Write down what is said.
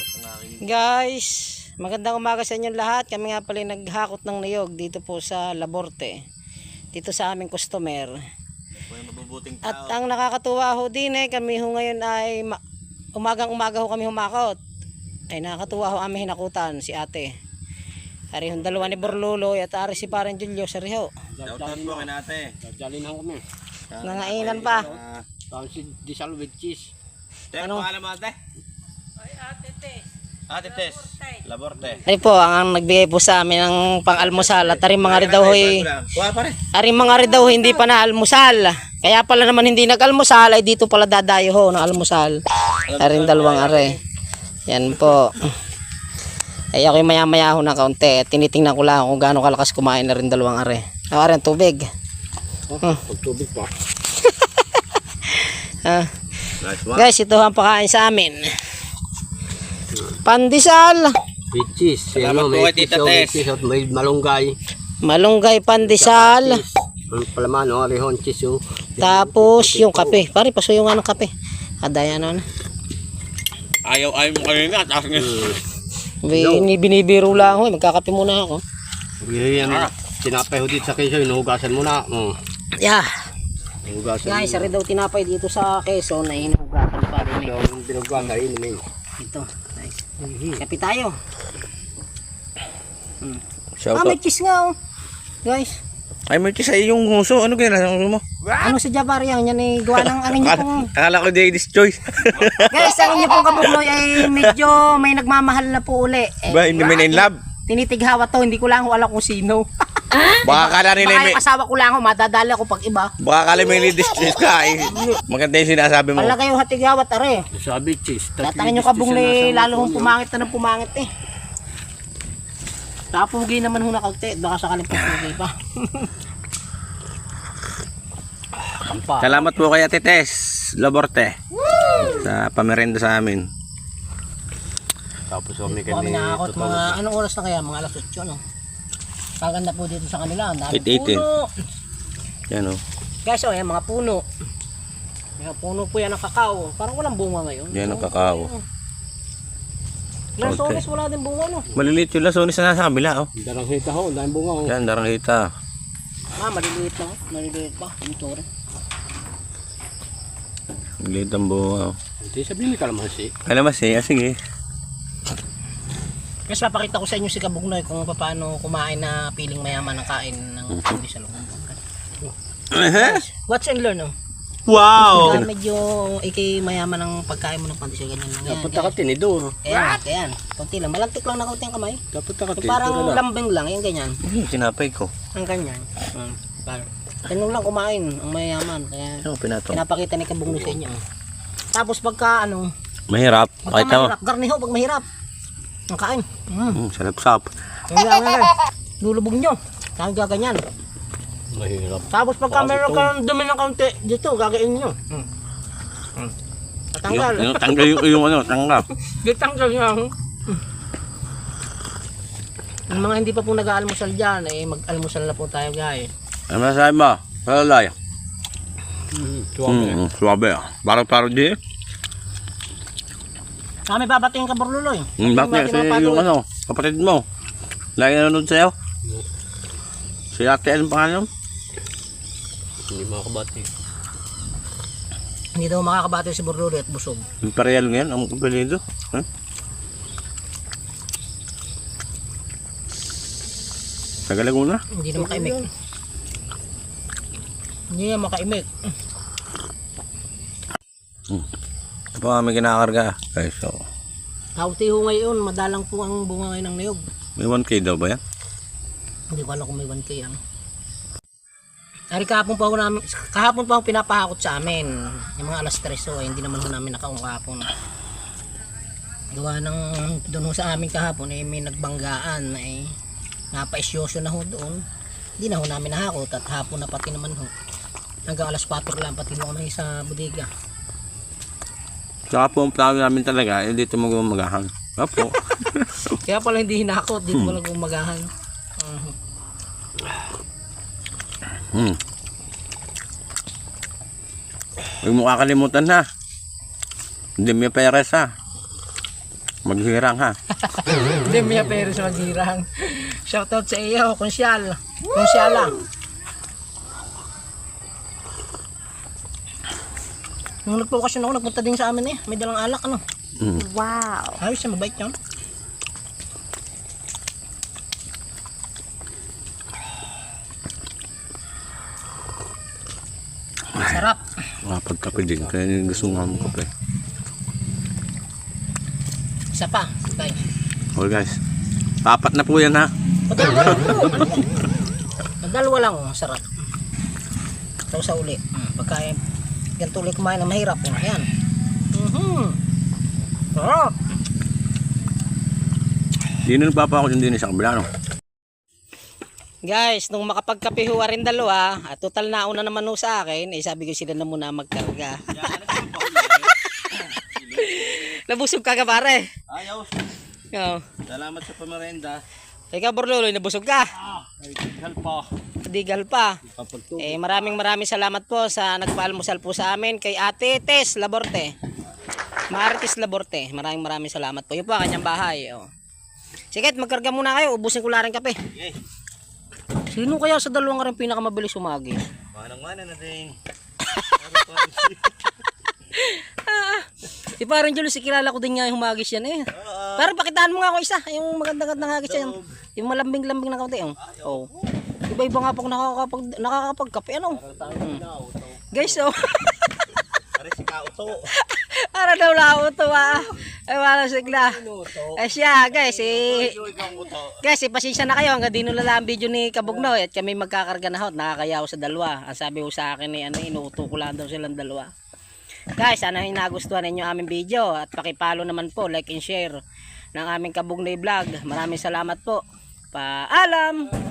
Guys, magandang umaga sa inyong lahat. Kami nga pala naghakot ng niyog dito po sa Laborte. Dito sa aming customer. At ang nakakatuwa ho din kami ho ngayon ay umagang-umaga ho kami humakot. Ay nakakatuwa ho aming hinakutan si ate. Ari hong dalawa ni Borlolo at ari si Parang Julio sa Riho. Shoutout po kay ate. Jalinan kami. Nangainan pa. Parang si Disal with cheese. Ano? Pangalan mo ate? Ay ate Tess. Ate Tess. Laborte. Ari po ang nagbigay po sa amin ng pang-almusal at ari mga ri daw hoy. Ari mga ri daw hindi pa na almusal. Kaya pala naman hindi nag-almusal ay dito pala dadayo ho ng almusal. Aring dalawang are. Yan po. Ay ako'y maya-maya ho na kaunti. Tinitingnan ko lang kung gaano kalakas kumain na rin dalawang are. Are ang tubig. Pagtubig pa. Nice one. Guys, ito ang pakain sa amin. Pandesal. With cheese. Salamat po kay Tita Tess. At may malunggay. Malunggay pandesal. Ang palaman, rehon cheese. Tapos yung kape. Pare, paso yung anong kape. Adaya na. Ayaw mo kayo nga. Taas nga. Binibiro lang ako. Magkakape muna ako. Yan. Tinapay ho dito sa keso. Inuhugasan mo na. Yeah. Inuhugasan Guys, sari daw tinapay dito sa Quezon na hinuhugatan pa rin. Yung binugasan, inumin. Ito. Nice. Kape tayo. May Shoutout. cheese nga oh. Guys. Ay, may cheese ay yung huso. Ano ginagawa mo? Ano sa Jabar yan? Yan ay gawa ng ang inyo pong... Akala ko Ladies Choice. Guys, ang inyo pong kabugloy ay medyo may nagmamahal na po uli. Ba, hindi may in-love? Tinitighawa to. Hindi ko lang alam kung sino. Baka kala nila Baka may... yung asawa ko lang ako. Madadali ako pag iba. Baka kala may Ladies Choice ka. Maganda yung sinasabi mo. Wala kayo hatigawat are. Sabi cheese. Tatangin nyo kabugloy lalo hong pumangit na ng pumangit eh. Tapugi naman ho na kaunti. Baka sakaling papugi pa. Salamat po kay Ate Tess. Laborte. Sa pamerenda sa amin. Tapos kami Kami nakakot mga anong oras na kaya? Mga alas 8 no? Kaganda po dito sa kanila. Ang dami 8:18. puno. Yan o. Guys, oh, yan mga puno. Mga puno po yan ng kakao. Parang walang bunga ngayon. Yan ang kakao. Lansones wala din bunga no. Maliliit yung lasones na nasa kabila. Oh. Darang hita ho. Dahil bunga ho. Yan, darang hita. Maliliit lang. Maliliit pa. Ang tore. Maliliit ang bunga. Hindi sabihin may kalamansi. Kalamansi, sige. Guys, papakita ko sa inyo si Kabugnoy kung paano kumain na piling mayaman ng kain ng hindi sa loob. Watch and learn, oh. Wow! Medyo mayaman ng pagkain mo ng pandesal ganyan lang yan. Dapat ka tinidor. Ayan. Kunti lang. Malantik lang na kunti ang kamay. Dapat ka Yung parang lambing lang. Yung ganyan. Sinapay ko. Ang ganyan. Ganun lang kumain ang mayaman. Kaya Ano pinato? pinapakita ni Kabugnoy sa inyo. Tapos pagka Mahirap. pagka Pakita mo. mahirap. Garniho pag mahirap. Ang kain. Salap-sap. Lulubog nyo. Kaya gaganyan. Mahirap. Tapos pagka meron kang dumi ng kaunti, dito gagain nyo. Tatanggal. Tanggal yung ano, tanggal. Ditanggal nyo. Ang mga hindi pa po nag-aalmusal dyan, mag-almusal na po tayo guys. Ano masasabi mo? Salalay. Suwabe. Suwabe. Parang di. Kami babatingin ka Borluloy. Bakit? Kasi yung ano, kapatid mo. Lagi nanonood sa'yo. Si ate, anong pangalan? Hindi makakabati. Hindi daw makakabati si Borluloy at busog. Imperial ngayon, ang apelido. Huh? Taga Laguna? Hindi na makaimik. Hindi na makaimik. Ito pa kami kinakarga. Guys, so. Kauti ho ngayon, madalang po ang bunga ngayon ng niyog. May 1K daw ba yan? Hindi ko alam kung may 1K yan. Ari kahapon pa ako pinapahakot sa amin. Yung mga alas 3 so, hindi naman ho namin nakaung kahapon. Gawa ng doon ho sa amin kahapon may nagbanggaan na napaisyoso na ho doon. Hindi na ho namin nahakot at hapon na pati naman ho. Hanggang alas 4 lang pati ho kami sa bodega. Saka po ang plano namin talaga, dito magumagahan. Opo. Kaya pala hindi hinakot, dito pala gumagahan. Huwag mo kakalimutan ha. Hindi may peres ha. Maghirang ha. Hindi, Mia Perez maghirang. Shoutout sa iyo, Konsyal. Konsyala. Nung nagpokasyon ako, nagpunta din sa amin eh. May dalang alak, ano. Wow. Ayos siya, mabait yan. Sarap. Pagkape din. Kaya gusto nga mo kape. Isa pa. Tay. Okay guys. 4 na po yan ha. Padalwa lang. Padalwa lang. Sarap. Ito sa uli. Pagka ganito ulit kumain na mahirap. Ayan. Sarap. Di na nagpapa ako din sa kabila no. Guys, nung makapagkapihuwa rin dalawa, at total na una naman sa akin, eh sabi ko sila na muna magkarga. Nabusog ka pare. Ayaw. Oo. Salamat sa pamerenda. Ikaw Borloloy, nabusog ka? Digal pa. Digal pa. Maraming salamat po sa nagpaalmusal po sa amin kay Ate Tess Laborte. Marites Laborte. Maraming salamat po. Yun po ang kanyang bahay. Oh. Sige, magkarga muna kayo. Ubusin ko lang rin kape. Okay. Sino kaya sa dalawang rin pinakamabilis umagis? Manang-mana na din. Si parang Julius, kilala ko din nga yung humagis yan eh. Pero pakitaan mo nga ako isa. Yung magandang hagis yan. Yung malambing-lambing na kaunti. Oh. Iba-iba nga pag nakakapagkape. Ano? Guys, oh. Pare si Kauto. Para daw lauto ah. Ay wala sigla. Ay siya guys guys pasensya na kayo hanggang dino lang ang video ni Kabugnoy at kami magkakarga na hot. Nakakayaw sa dalawa. Ang sabi ko sa akin inuuto ko lang daw silang dalawa. Guys, sana nagustuhan ninyo aming video at paki-follow naman po, like and share ng aming Kabugnoy vlog. Maraming salamat po. Paalam.